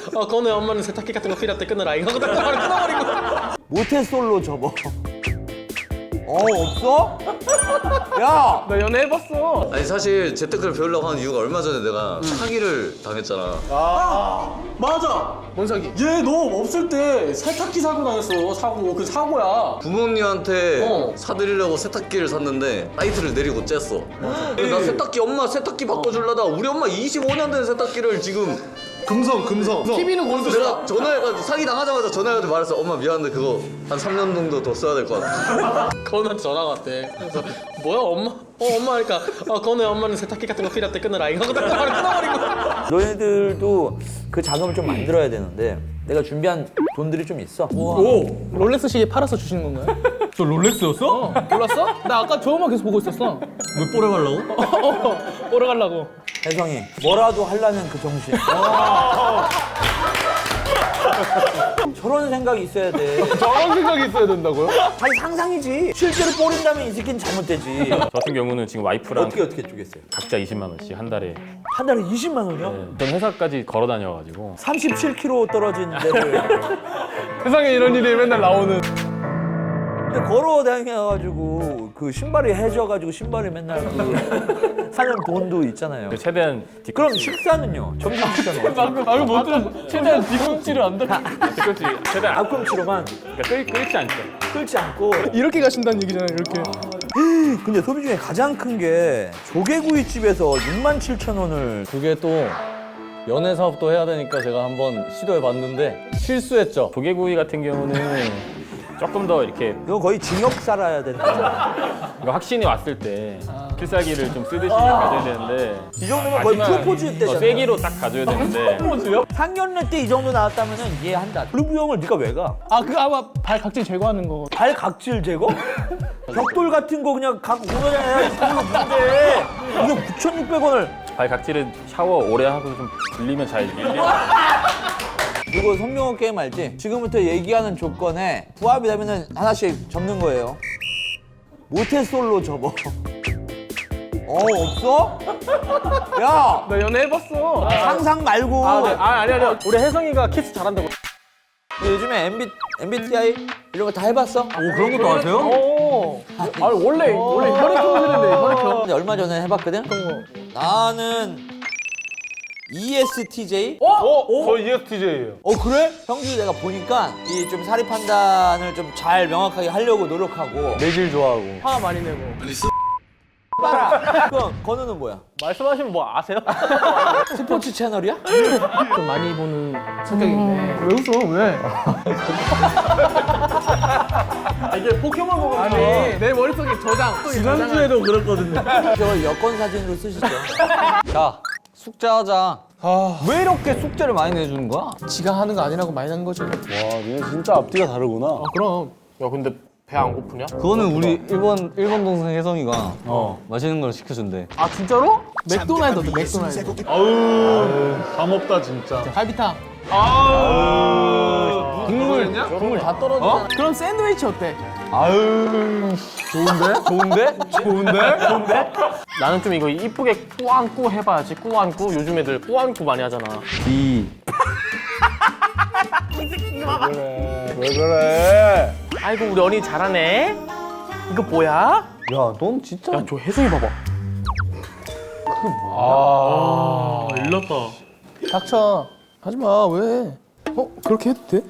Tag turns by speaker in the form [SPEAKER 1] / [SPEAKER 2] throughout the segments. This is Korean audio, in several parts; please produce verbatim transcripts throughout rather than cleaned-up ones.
[SPEAKER 1] 어 그거는 엄마는 세탁기 같은 거 필요할 때 끊어라 이거 바로 끊어버리고.
[SPEAKER 2] 모태솔로 접어. 어 없어? 야!
[SPEAKER 3] 나 연애 해봤어.
[SPEAKER 4] 아니 사실 재테크를 배우려고 하는 이유가 얼마 전에 내가 사기를 당했잖아.
[SPEAKER 5] 맞아.
[SPEAKER 1] 뭔 사기?
[SPEAKER 5] 얘 너 없을 때 세탁기 사고 당했어. 사고. 그 사고야.
[SPEAKER 4] 부모님한테
[SPEAKER 1] 어.
[SPEAKER 4] 사드리려고 세탁기를 샀는데 사이트를 내리고 쬐어. 나 세탁기 엄마 세탁기 바꿔주려다 우리 엄마 이십오 년 된 세탁기를 지금
[SPEAKER 5] 금성 금성.
[SPEAKER 1] 티비는 골드.
[SPEAKER 4] 내가 전화해가지고 사기 당하자마자 전화해가지고 말했어. 엄마 미안한데 그거 한 삼 년 정도 더 써야 될 것 같아.
[SPEAKER 1] 건우한테 전화가 왔대. 그래서 뭐야 엄마? 어 엄마 하니까 어 건우야 엄마는 세탁기 같은 거 필요할 때 끊어라 이거 바로 끊어버리고.
[SPEAKER 2] 너희들도 그 자금을 좀 만들어야 되는데 내가 준비한 돈들이 좀 있어.
[SPEAKER 3] 오, 롤렉스 시계 팔아서 주시는 건가요?
[SPEAKER 5] 저 롤렉스였어?
[SPEAKER 3] 어, 몰랐어? 나 아까 저거만 계속 보고 있었어.
[SPEAKER 5] 왜 뽀래 가려고?
[SPEAKER 3] 어, 오래 가려고.
[SPEAKER 2] 혜성이 뭐라도 하려는 그 정신. 저런 생각이 있어야 돼.
[SPEAKER 3] 저런 생각이 있어야 된다고요?
[SPEAKER 2] 아니 상상이지. 실제로 뿌린다면 이 새끼는 잘못되지.
[SPEAKER 6] 저 같은 경우는 지금 와이프랑
[SPEAKER 2] 어떻게 어떻게 쪼겠어요?
[SPEAKER 6] 각자 이십만 원씩 한 달에.
[SPEAKER 2] 한 달에 이십만 원이요?
[SPEAKER 6] 전 회사까지 걸어 다녀가지고
[SPEAKER 2] 삼십칠 킬로미터 떨어진 데를
[SPEAKER 3] 세상에 이런 일이 맨날 나오는.
[SPEAKER 2] 근데 걸어 다녀가지고 그 신발이 해져가지고 신발이 맨날 그 사는 돈도 있잖아요.
[SPEAKER 6] 최대한 뒤
[SPEAKER 2] 그럼 식사는요? 점심 식사는 어떻게?
[SPEAKER 3] 방금 방금 못 들었어. 최대한 뒤꿈치를 안 닿게.
[SPEAKER 6] 뒤꿈치 최대한
[SPEAKER 2] 앞꿈치로만
[SPEAKER 6] 그러니까 끌, 끌지 않죠.
[SPEAKER 2] 끌지 않고.
[SPEAKER 3] 이렇게 가신다는 얘기잖아요. 이렇게.
[SPEAKER 2] 근데 소비 중에 가장 큰 게 조개구이집에서 육만 칠천 원을.
[SPEAKER 7] 그게 또 연애 사업도 해야 되니까 제가 한번 시도해 봤는데 실수했죠.
[SPEAKER 6] 조개구이 같은 경우는 조금 더 이렇게
[SPEAKER 2] 이거 거의 징역 살아야 된다.
[SPEAKER 6] 그러니까 확신이 왔을 때 필살기를 좀 쓰듯이 가져야 되는데
[SPEAKER 2] 이 정도면 거의
[SPEAKER 6] 마지막
[SPEAKER 2] 프로포즈
[SPEAKER 6] 어,
[SPEAKER 2] 때잖아.
[SPEAKER 6] 세기로 딱 가져야 되는데
[SPEAKER 2] 상견례 때 이 정도 나왔다면 이해한다. 그리고 형을 네가 왜 가?
[SPEAKER 3] 아, 그 아마 발 각질 제거하는 거.
[SPEAKER 2] 발 각질 제거? 벽돌 같은 거 그냥 각 오너잖아요. 이걸로 뭔데? 이거 구천육백 원을.
[SPEAKER 6] 발 각질은 샤워 오래 하고 좀 불리면 잘 밀려.
[SPEAKER 2] 이거 성룡호 게임 알지? 지금부터 얘기하는 조건에 부합이 되면은 하나씩 접는 거예요. 모태솔로 접어. 어 없어? 야
[SPEAKER 3] 나 연애 해봤어.
[SPEAKER 2] 상상 말고.
[SPEAKER 3] 아, 네. 아, 아니 아니. 우리 혜성이가 키스 잘한다고.
[SPEAKER 2] 요즘에 엠비, 엠비티아이 이런 거 다 해봤어?
[SPEAKER 5] 오 그런 것도 아세요?
[SPEAKER 3] 오. 아, 원래 원래 혈액형들인데 혈액형.
[SPEAKER 2] 근데 얼마 전에 해봤거든? 나는 이에스티제이?
[SPEAKER 3] 어? 어? 저 이에스티제이예요.
[SPEAKER 2] 어 그래? 형주 내가 보니까 이 좀 사리 판단을 좀 잘 명확하게 하려고 노력하고
[SPEAKER 7] 매질 좋아하고.
[SPEAKER 3] 화 많이 내고.
[SPEAKER 2] 봐라. 그럼 건우는 뭐야?
[SPEAKER 3] 말씀하시면 뭐 아세요?
[SPEAKER 2] 스포츠 채널이야?
[SPEAKER 3] 좀 많이 보는 성격인데. 왜 웃어? 왜? 아, 이게 포켓몬 아니 내 머릿속에 저장.
[SPEAKER 5] 지난주에도 그랬거든요.
[SPEAKER 2] 저 여권 사진으로 쓰시죠.
[SPEAKER 7] 자, 숙제하자. 왜 이렇게 숙제를 많이 내주는 거야?
[SPEAKER 3] 지가 하는 거 아니라고 많이 한 거지.
[SPEAKER 5] 와, 얘 진짜 앞뒤가 다르구나.
[SPEAKER 3] 아 그럼. 야 근데 배 안 고프냐?
[SPEAKER 7] 그거는 우리 일본 일본 동생 혜성이가 어. 맛있는 걸 시켜준대.
[SPEAKER 3] 아 진짜로? 맥도날드 어때? 맥도날드.
[SPEAKER 5] 아우, 감 없다 진짜.
[SPEAKER 3] 갈비탕.
[SPEAKER 5] 아우.
[SPEAKER 3] 국물 국물 다 떨어지잖아. 그럼 샌드위치 어때?
[SPEAKER 5] 아유. 좋은데?
[SPEAKER 7] 좋은데?
[SPEAKER 5] 좋은데? 좋은데?
[SPEAKER 3] 나는 좀 이거 이쁘게 꾸안꾸 해봐야지. 꾸안꾸 요즘 애들 꾸안꾸 많이 하잖아.
[SPEAKER 7] 이.
[SPEAKER 5] 왜 그래?
[SPEAKER 3] 아이고 우리 언니 잘하네. 이거 뭐야?
[SPEAKER 7] 야, 넌 진짜.
[SPEAKER 3] 야 저 혜성이 봐봐.
[SPEAKER 5] 아, 일렀다.
[SPEAKER 3] 닥쳐. 하지 마. 왜? 어? 그렇게 해도 돼?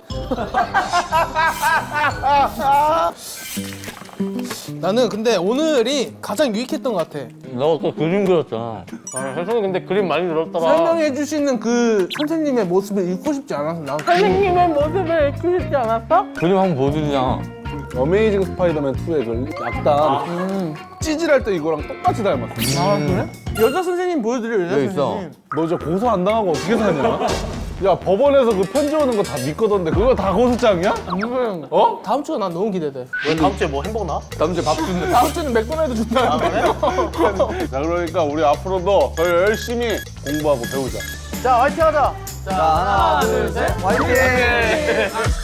[SPEAKER 3] 나는 근데 오늘이 가장 유익했던 것 같아.
[SPEAKER 7] 너 또 그림 그렸잖아.
[SPEAKER 3] 아, 혜성이 근데 그림 많이 늘었더라. 설명해 주시는 그 선생님의 모습을 읽고 싶지 않아서 나. 선생님의 모습을 읽고 싶지 않았어?
[SPEAKER 7] 그림 한번 보여주자.
[SPEAKER 5] 어메이징 스파이더맨 투의 그 약간
[SPEAKER 3] 음.
[SPEAKER 5] 찌질할 때 이거랑 똑같이 닮았어.
[SPEAKER 3] 아 그래? 여자 선생님 보여드려 여자
[SPEAKER 7] 여기 있어.
[SPEAKER 3] 선생님.
[SPEAKER 5] 너 저 고소 안 당하고 어떻게 사냐? 야, 법원에서 그 편지 오는 거 다 믿거던데 그거 다 고소장이야?
[SPEAKER 3] 음.
[SPEAKER 5] 어?
[SPEAKER 3] 다음 주가 난 너무 기대돼. 왜 다음 주에 뭐 햄버거 나?
[SPEAKER 7] 다음 주에 밥 준대.
[SPEAKER 3] 다음 주는 맥도날드 준다는데.
[SPEAKER 5] 자, 그러니까 우리 앞으로도 더 열심히 공부하고 배우자.
[SPEAKER 3] 자 화이팅 하자.
[SPEAKER 2] 자 하나 둘 셋 화이팅!